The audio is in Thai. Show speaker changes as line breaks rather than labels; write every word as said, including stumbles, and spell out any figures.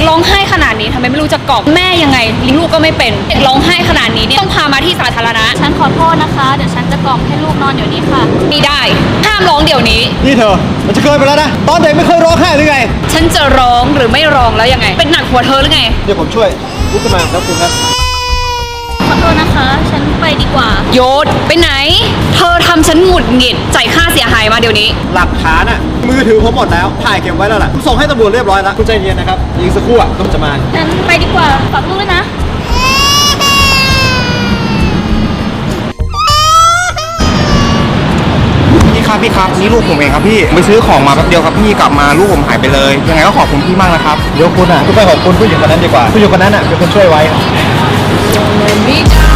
ร้องไห้ขนาดนี้ทำไมไม่รู้จะกล่อมแม่ยังไงเลี้ยงลูกก็ไม่เป็นเด็กร้องไห้ขนาดนี้เนี่ยต้องพามาที่สาธารณะ
ฉันขอโทษนะคะเดี๋ยวฉันจะกล่อมให้ลูกนอนเดี๋ยวนี้ค่ะ
ไม่ได้ห้ามร้องเดี๋ยวนี้
นี่เธอมันจะเกินไปแล้วนะตอนเด็กไม่เคยร้องไห้หรือไง
ฉันจะร้องหรือไม่ร้องแล้วยังไงเป็นหนักหัวเธอหรือไง
เดี๋ยวผมช่วยลุกขึ้นมาครับคุณครับ
ขอโทษนะคะฉันไปดีกว่า
โยศไปไหนเธอทำฉันหงุดหงิดจ่ายค่าเสียหายมาเดี๋ยวนี้
หลักฐานอ่ะมือถือผมหมดแล้วถ่ายเก็บไว้แล้วล่ะส่งให้ตำรวจเรียบร้อยแล้วคุณใจเย็นนะครับอีกสักครู่อ่ะต้องจะมา
ฉันไปดีกว่าฝากลูกด้วยนะ
พี่ครับพี่ครับนี่ลูกผมเองครับพี่ไปซื้อของมาแป๊บเดียวครับพี่กลับมาลูกผมหายไปเลยยังไงก็ขอบคุณพี่มากนะครับ
เดี๋ยวคุณอ่ะคุณไปขอบคุณผู้หญิงคนนั้นดีกว่าผู้หญิงคนนั้นอ่ะเป็นคนช่วยไว้
ไม่ได้